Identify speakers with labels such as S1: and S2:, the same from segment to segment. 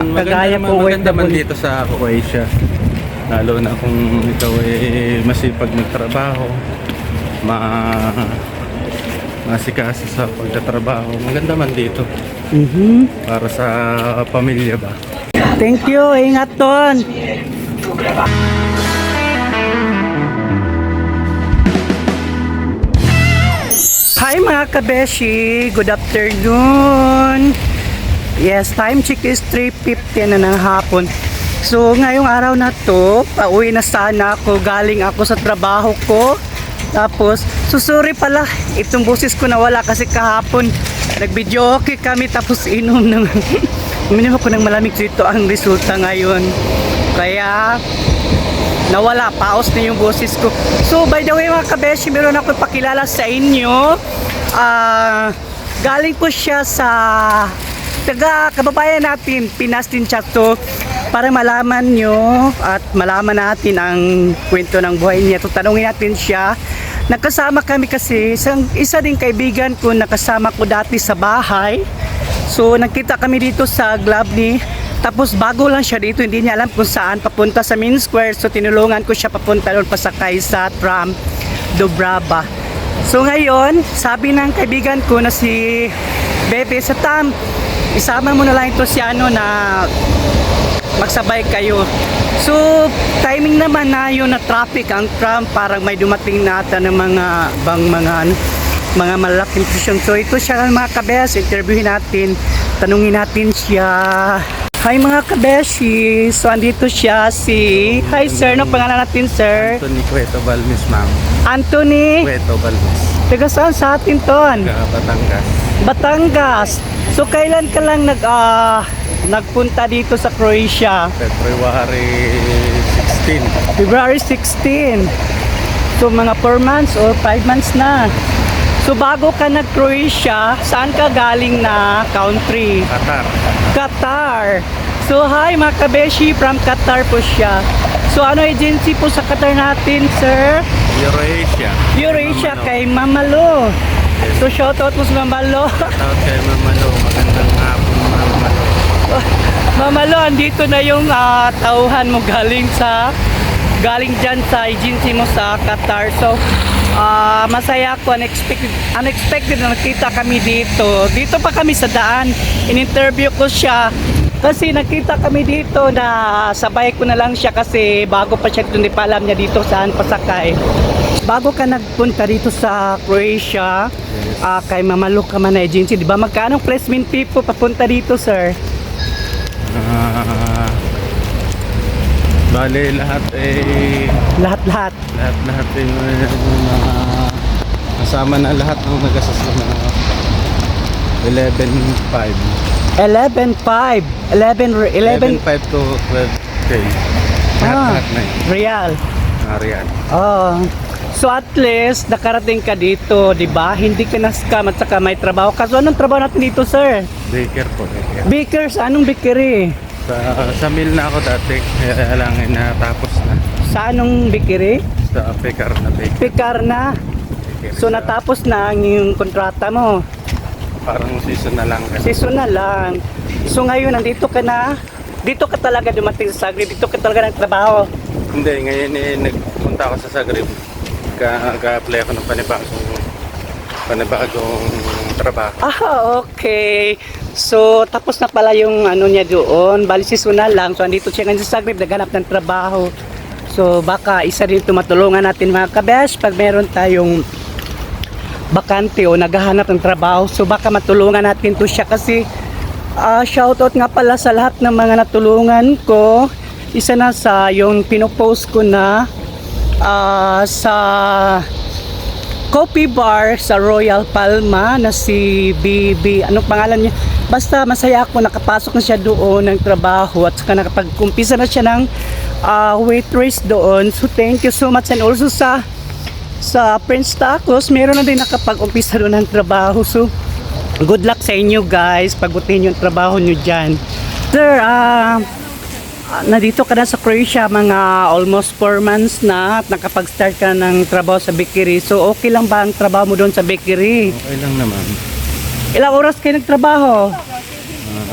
S1: kagaya po
S2: maganda man
S1: OFW.
S2: dito sa Croatia. Lalo na kung ikaw masipag magtrabaho, masikasa sa pagtatrabaho. Maganda man dito para sa pamilya ba.
S1: Thank you, ingat doon. Hi mga kabeshi, good afternoon. Yes, time check is 3:50 na ng hapon. So ngayong araw na to, pauwi na sana ako, galing ako sa trabaho ko. Tapos, susuri pala, itong boses ko nawala kasi kahapon nag-video okay kami tapos inom ng uminom ako ng malamig, dito ang resulta ngayon. Kaya nawala, paos na yung boses ko. So by the way mga kabeshi, meron ako pakilala sa inyo. Galing po siya sa kababayan natin, Pinas din siya to, para malaman nyo at malaman natin ang kwento ng buhay niya. So tanungin natin siya. Nakasama kami kasi, isa ding kaibigan ko, nakasama ko dati sa bahay. So nakita kami dito sa Glabny. Tapos bago lang siya dito, hindi niya alam kung saan papunta sa Main Square. So tinulungan ko siya papunta doon, pasakay sa tram Dubrava. So ngayon, sabi ng kaibigan ko na si Bebe, sa Tam, isama mo na lang ito si ano na magsabay kayo. So timing naman na yun na traffic ang tram, parang may dumating nata ng mga malalaking station. So ito siya mga kabes, interviewin natin, tanungin natin siya. Hi mga kabeshi, so andito siya si, hi sir, ano pangalan natin sir?
S2: Anthony Cueto Balmis, ma'am.
S1: Anthony?
S2: Cueto Balmis.
S1: Taga saan sa atin ton?
S2: Batangas.
S1: Batangas. So kailan ka lang nagpunta dito sa Croatia?
S2: February 16.
S1: February 16. So mga 4 months or 5 months na. So bago ka nag-Croatia, saan ka galing na country?
S2: Qatar.
S1: Qatar. So hi mga kabeshi, from Qatar po siya. So ano agency po sa Qatar natin sir?
S2: Eurasia.
S1: Eurasia kay Mamalo. So shoutout po sa Mamalo.
S2: Shoutout kay Mamalo. Magandang hapon, Mamalo.
S1: Mamalo, andito na yung tauhan mo galing dyan sa agency mo sa Qatar. So masaya ako, unexpected na nakita kami dito. Dito pa kami sa daan, in-interview ko siya kasi nakita kami dito na sabay ko na lang siya kasi bago pa siya, hindi pa alam niya dito saan pasakay. Bago ka nagpunta dito sa Croatia, kay Mamalo ka man na agency, di ba? Magkano placement fee po papunta dito sir?
S2: Bale, lahat
S1: Lahat-lahat.
S2: lahat kasama na lahat ng nagasasama 11.5
S1: 11.5
S2: to 12K lahat na yun.
S1: Real.
S2: Real.
S1: Oh. So at least nakarating ka dito, 'di ba? Hindi ka na-scam at saka may trabaho. Kaso anong trabaho natin dito, sir?
S2: Baker po.
S1: Bakers, anong bakery?
S2: Sa mill na ako dati, kaya lang natapos na.
S1: Sa anong bakery?
S2: Sa Pekar na baker.
S1: Pekar na. So natapos na ang yung kontrata mo.
S2: Parang season na lang.
S1: Season na lang. So ngayon nandito ka na. Dito ka talaga dumating sa Zagreb. Dito ka talaga nagtrabaho.
S2: Hindi, ngayon nagpunta ako sa Zagreb. Ka-apply ako ng panibagong trabaho.
S1: Okay. So, tapos na pala yung ano niya doon. Bali seasonal lang. So, andito siya ngayon sa Zagreb, naghanap ng trabaho. So, baka isa rin ito matulungan natin mga kabesh pag meron tayong bakante o naghahanap ng trabaho. So, baka matulungan natin to siya kasi shoutout nga pala sa lahat ng mga natulungan ko. Isa na sa yung pinopost ko na sa coffee bar sa Royal Palma na si BB, anong pangalan niya? Basta masaya ako, nakapasok na siya doon ng trabaho at saka nakapag-umpisa na siya ng waitress doon. So thank you so much, and also sa Prince Tacos, meron na din nakapag-umpisa doon ng trabaho. So good luck sa inyo guys, pagutin yung trabaho nyo dyan. Sir, nandito ka na sa Croatia mga almost 4 months na at nakapag-start ka ng trabaho sa bakery. So okay lang ba ang trabaho mo doon sa bakery?
S2: Okay lang naman.
S1: Ilang oras kayo nagtrabaho?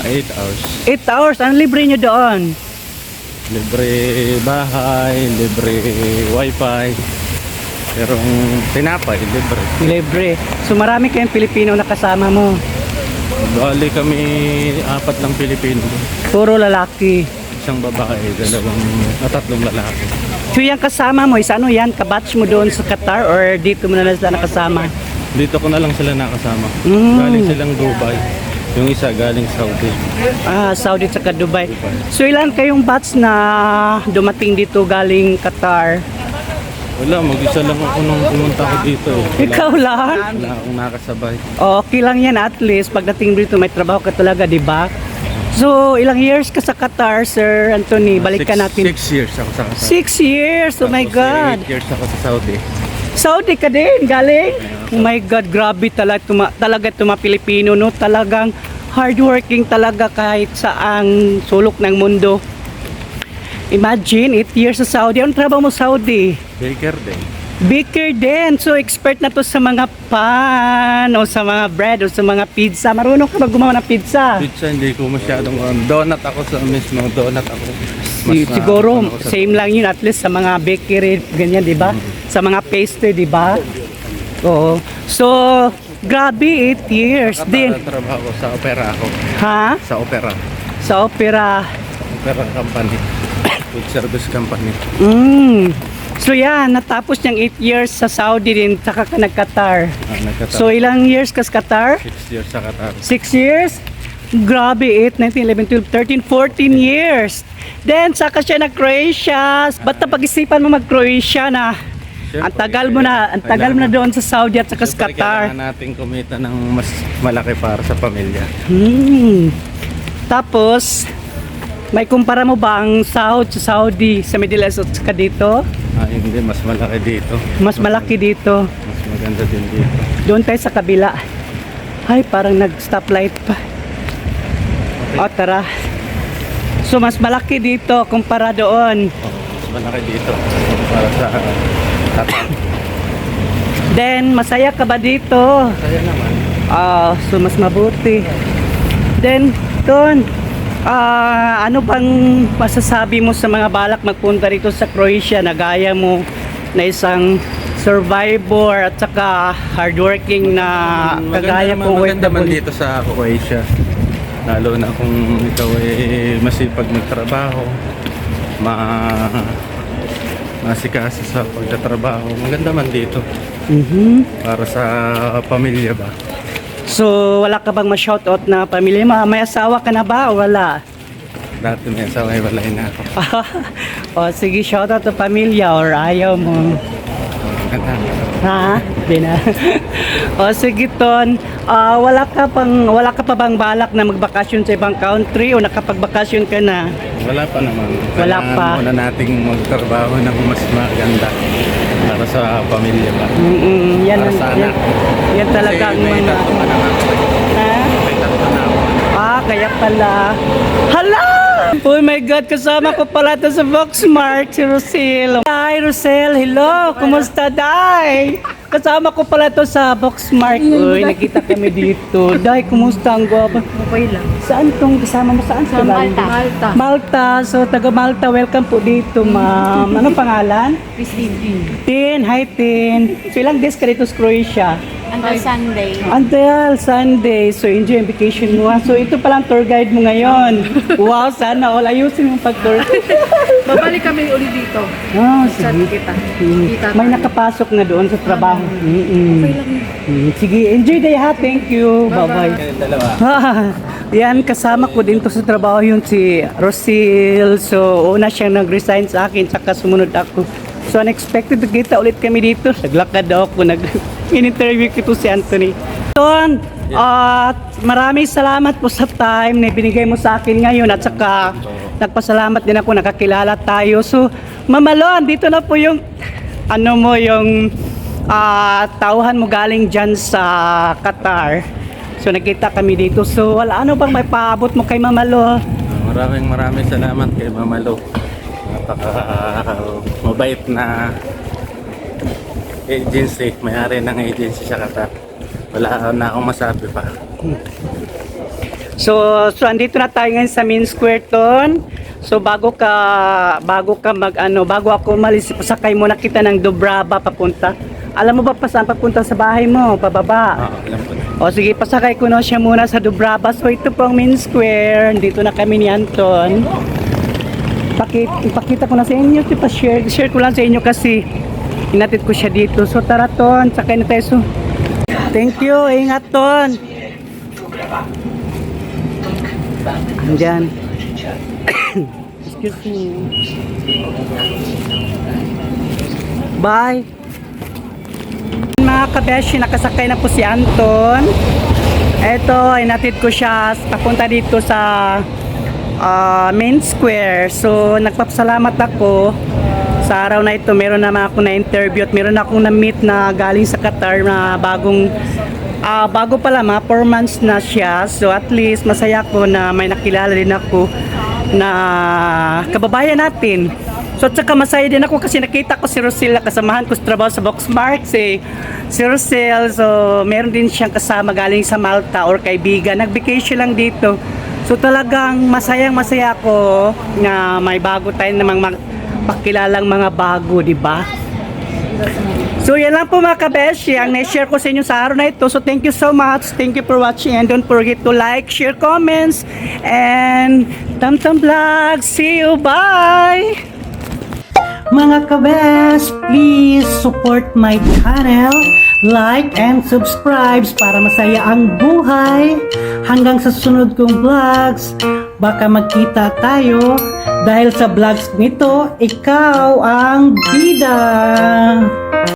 S2: 8 hours.
S1: 8 hours, ang libre nyo doon?
S2: Libre bahay, libre wifi. Pero ang tinapay, libre.
S1: Libre. So marami kayong Pilipino na kasama mo.
S2: Bali kami 4 lang Pilipino.
S1: Puro lalaki.
S2: Isang babae, 3 lalaki.
S1: So yung kasama mo, is ano yan? Kabatch mo doon sa Qatar or dito mo na lang sila nakasama?
S2: Dito ko na lang sila nakasama.
S1: Mm.
S2: Galing silang Dubai. Yung isa galing Saudi.
S1: Saudi at Dubai. So ilan kayong batch na dumating dito galing Qatar?
S2: Wala, mag-isa lang ako nung pumunta ko dito.
S1: Ikaw lang?
S2: Wala akong nakasabay.
S1: Okay lang yan at least. Pagdating dito may trabaho ka talaga, di ba? So ilang years ka sa Qatar, Sir Anthony? Balikan natin.
S2: 6 years ako sa Qatar.
S1: 6 years? Oh my
S2: Tapos,
S1: God.
S2: 8 years ako sa Saudi.
S1: Saudi ka din, galing? Oh my God, grabe talaga mga Pilipino, no? Talagang hardworking talaga kahit saang sulok ng mundo. Imagine, 8 years sa Saudi. Anong trabaho mo Saudi?
S2: Baker din.
S1: Baker din. So, expert na to sa mga pan, o sa mga bread, o sa mga pizza. Marunong ka ba gumawa ng pizza?
S2: Pizza, hindi ko masyadong donut ako sa mismo. Donut ako.
S1: Siguro, same lang yun at least sa mga bakery, ganyan, di ba? Sa mga pastry, di ba? Oo. So, grabe, 8 years din.
S2: Trabaho ko sa opera ako.
S1: Ha?
S2: Sa opera.
S1: Sa opera.
S2: Opera company. Food service company.
S1: So yan, natapos niyang 8 years sa Saudi din, saka ka nag-Qatar.
S2: Nagkataon.
S1: So ilang years ka sa Qatar?
S2: 6 years sa Qatar.
S1: 6 years? Grabe, 8, 19, 11, 12, 13, 14 years. Then, saka siya na Croatia. Ba't na pag-isipan mo mag-Croatia na? Ang tagal mo na doon sa Saudi at saka sa
S2: Siyempre,
S1: Qatar.
S2: kailangan natin kumita ng mas malaki para sa pamilya.
S1: Tapos, may kumpara mo ba ang sahod sa Saudi, sa Middle East at saka dito?
S2: Hindi, mas malaki dito.
S1: Mas malaki dito.
S2: Mas maganda din dito.
S1: Doon tayo sa kabila. Ay, parang nag-stoplight pa. O, tara. So, mas malaki dito kumpara doon.
S2: Mas malaki dito para sa Qatar.
S1: Then, masaya ka ba dito?
S2: Kaya naman.
S1: So, mas mabuti. Then, doon, ano bang masasabi mo sa mga balak magpunta rito sa Croatia na gaya mo na isang survivor at saka hardworking na kagaya kong
S2: maganda man
S1: OFW?
S2: dito sa Croatia. Lalo na kung ikaw ay masipag magtrabaho, masikasa sa pagtatrabaho. Maganda man dito. Para sa pamilya ba?
S1: So, wala ka bang ma-shoutout na pamilya mo? May asawa ka na ba o wala?
S2: Dati may asawa, walay na ako.
S1: O, sige, shoutout sa pamilya or ayaw mo. Ha? Di na. O sige Ton, wala ka pa bang balak na magbakasyon sa ibang country o nakapagbakasyon ka na?
S2: Wala pa naman.
S1: Wala
S2: Kailangan
S1: pa.
S2: muna nating magtrabaho ng mas maganda para sa pamilya ba?
S1: Yan,
S2: Para sa anak.
S1: yan talaga ang
S2: Kasi may
S1: mga...
S2: tatlo pa naman ako.
S1: Ha?
S2: May tatlo na ako.
S1: Kaya pala. Hala! Oh my God, kasama ko pala ito sa Voxmart, si Rosel. Hi Rosel, hello! Kumusta, Day? Kasama ko pala ito sa Voxmart. Uy, nakita kami dito. Day, kumusta ang guwapa?
S3: Okay lang.
S1: Saan tong kasama mo? Saan
S3: Sa Malta. Malta.
S1: Malta. So, taga Malta, welcome po dito, ma'am. Ano pangalan?
S3: Christine.
S1: Tin. Hi, Tin. So, ilang days ka dito sa Croatia?
S3: Until Sunday.
S1: Until Sunday. So, enjoy ang vacation mo. So, ito palang tour guide mo ngayon. Wow, sana all. Ayusin mo pag-tour.
S3: Babalik kami ulit dito.
S1: Sige.
S3: Kita. Kita
S1: May nakapasok na doon sa trabaho. Sige, enjoy day ha. Thank you. Bye-bye.
S2: Dalawa.
S1: Yan, kasama ko din to sa trabaho yung si Rosil. So, una siyang nag-resign sa akin, saka sumunod ako. So, unexpected to kita ulit kami dito. Naglakad ako, in-interview ko si Anthony. Ton, maraming salamat po sa time na binigay mo sa akin ngayon at saka nagpasalamat din ako, nakakilala tayo. So, Mamalon, dito na po yung yung tauhan mo galing dyan sa Qatar. So nakita kami dito. So ano bang may paabot mo kay Mamalo?
S2: Maraming salamat kay Mama Lo. Mabait na agency, may-ari ng agency sa Qatar. Wala na akong masabi pa.
S1: So andito na tayo ngayon sa main square ton. So bago ako umalis, pasakay muna kita ng Dobrava papunta. Alam mo ba pa saan papunta sa bahay mo? Pababa.
S2: Alam ko na.
S1: O sige, pasakay ko na siya muna sa Dobrava. So ito po ang main square. Dito na kami ni Anton. Ipakita ko na sa inyo. Share ko lang sa inyo kasi inatid ko siya dito. So tara Ton, sakay na tayo. So, thank you. Ingat Ton. Andyan. Excuse me. Bye. Mga kabeshi, nakasakay na po si Anton. Eto, inatid ko siya papunta dito sa main square. So, nagpapasalamat ako sa araw na ito. Meron naman ako na interview at meron akong na-meet na galing sa Qatar na bago pala, mga 4 months na siya. So, at least masaya ko na may nakilala din ako na kababayan natin. So, at saka masaya din ako kasi nakita ko si Rosel, kasamahan ko sa trabaho sa Boxmark, si Rosel. So, meron din siyang kasama galing sa Malta or kaibigan. Nag-vacation lang dito. So, talagang masaya ako na may bago tayo namang pakilalang mga bago, di ba? So, yan lang po mga kabeshi ang na-share ko sa inyo sa araw na ito. So, thank you so much. Thank you for watching and don't forget to like, share, comments, and Tamtam Vlog. See you. Bye! Mga kabes, please support my channel, like and subscribe para masaya ang buhay. Hanggang sa sunod kong vlogs, baka magkita tayo dahil sa vlogs nito, ikaw ang bida.